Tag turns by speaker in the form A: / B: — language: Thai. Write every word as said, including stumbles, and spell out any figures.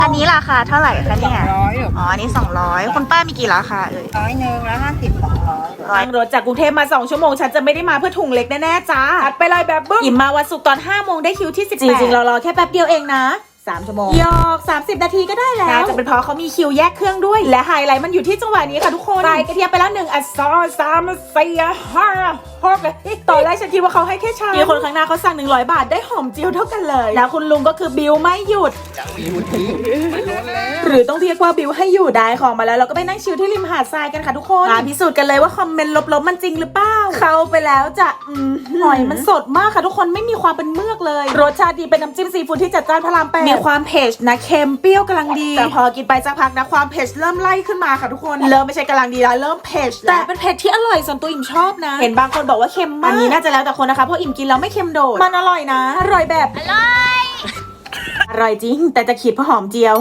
A: อันนี้ราคาเท่าไหร่คะเนี่ย
B: ร้อยหรอ
A: อ๋ออันนี้สองร้อยคุณป้ามีกี่ราคาเอ่ย
B: ร้อยหนึ่งแล้วห้าสิบสองร้อย
C: นั่งรถจากกรุงเทพมาสองชั่วโมงฉันจะไม่ได้มาเพื่อถุงเล็กแน่ๆจ้าอัดไปเลยแบบบึ้มอิ่มมาวันศุกร์ตอนห้าโมงได้คิวที่สิบแปดจริงๆเรารอแค่แป๊บเดียวเองนะสามชั่วโมงยอกสามสิบนาทีก็ได้แล้วน่าจะเป็นเพราะเขามีคิวแยกเครื่องด้วยและไฮไลท์มันอยู่ที่จังหวะนี้ค่ะทุกคนใส่กระเทียมไปแล้วหนึ่งอัดซอสสามสี่ห้าหกตอนแรกฉันคิดว่าเขาให้แค่ชามมีคนข้างหน้าเขาสั่งหนึ่งร้อยบาทได้หอมเจียวเท่ากันเลยแล้วคุณลุงก็คือบิวไม่หยุดหรือต้องเรียกว่าบิวให้อยู่ได้ของมาแล้วเราก็ไปนั่งชิลที่ริมหาดทรายกันค่ะทุกคนมาพิสูจน์กันเลยว่าคอมเมนต์ลบๆมันจริงหรือเปล่าเข้าไปแล้วจะอืมหอยมันสดมากค่ะทุกคนไม่มีความเป็นเมือกเลยรสชาติดีเป็นน้ำจิ้มซีฟู้ดที่จัดจ้านพระรามแปดมีความเผ็ดนะเค็มเปรี้ยวกำลังดีแต่พอกินไปสักพักนะความเผ็ดเริ่มไล่ขึ้นมาค่ะทุกคนเริ่มไม่ใช่กำลังดีแล้วเริ่มเผ็ดแต่เป็นเผ็ดที่อร่อยส่วนตัวอิ่มชอบนะเห็นบางคนบอกว่าเค็มมากอันนี้น่าจะแล้วแต่คนนะคะเพราะอิ่มกินแล้วไม่เค็มโดดมันอร่อยนะอร่อยแบบอร่อยอร่อยจริงแต่จะขีดเพราะหอมเจียว